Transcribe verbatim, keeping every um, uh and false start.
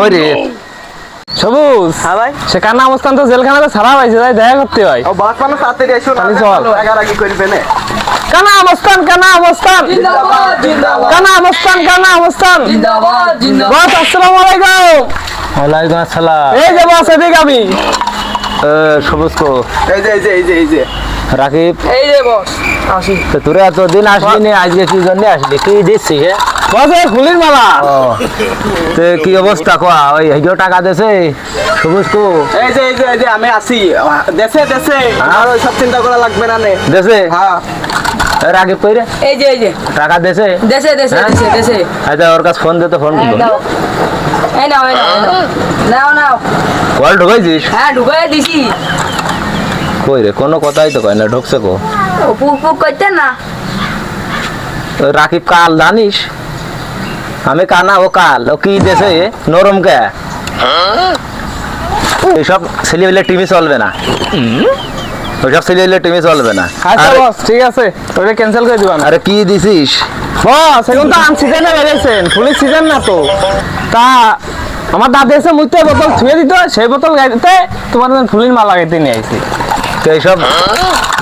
ওই রে সবুজ। হ্যাঁ ভাই। সে কানা অবস্থান তো জেলখানাতে ছাড়া হয়েছে, তাই দেখা করতে হয়। ও বাস মানে তাড়াতাড়ি এসো না, তাহলে চল। রাগারাগি করবে না। কানা অবস্থান, কানা অবস্থান, জিন্দাবাদ জিন্দাবাদ কানা অবস্থান, কানা অবস্থান। জিন্দাবাদ জিন্দাবাদ বস আসসালামু আলাইকুম। ওয়ালাইকুম আসসালাম। এই যে বস এদিকে আমি। সবুজ কো এই যে এই যে এই যে এই যে রাকিব, এই যে বস আসি তো তোরা এতদিন আসলি নি, আজকে কি জন্য আসলি? কি দিচ্ছি হে? বস এই ফুলির মালা। ও তো কি অবস্থা কোয়া? ওই হিজো টাকা দেছে সবুজ কো এই যে এই যে এই যে আমি আসি দেশে দেশে, আর ওই সব চিন্তা করা লাগবে না নে। দেছে? হ্যাঁ রাকিব কই রে? এই যে এই যে টাকা দেছে? দেশে দেশে হ্যাঁ? দেশে দেশে আচ্ছা ওর কাছে ফোন দে তো, ফোন এই করো। নাও এই নাও এই নাও এই নাও। নাও নাও কল ঢুকাইছিস? হ্যাঁ ঢুকাই দিছি। কই রে, কোনো কথাই তো কয় না, ঢুকছে কো? ও পুক পুক করতে না। ওই রাকিব কাল জানিস? আমি কানা, ও কাল। ও কি দেছে নরম কে? এইসব ছেলেবেলে টিভি চলবে না, ওইসব ছেলেবেলে টিভি চলবে না। আচ্ছা আরে- বস ঠিক আছে, ওটা ক্যান্সেল করে দিবান। আরে কি দিছিস? বস এখন তো আম সিজনে বেরিয়েছেন, ফুলের সিজন না তো। তা আমার দাদি এসে মুইতে বোতল ছুঁয়ে দিত, সেই বোতল গাইতে তোমার জন্য ফুলের মালা গাইতে নিয়ে আইছি। তো এইসব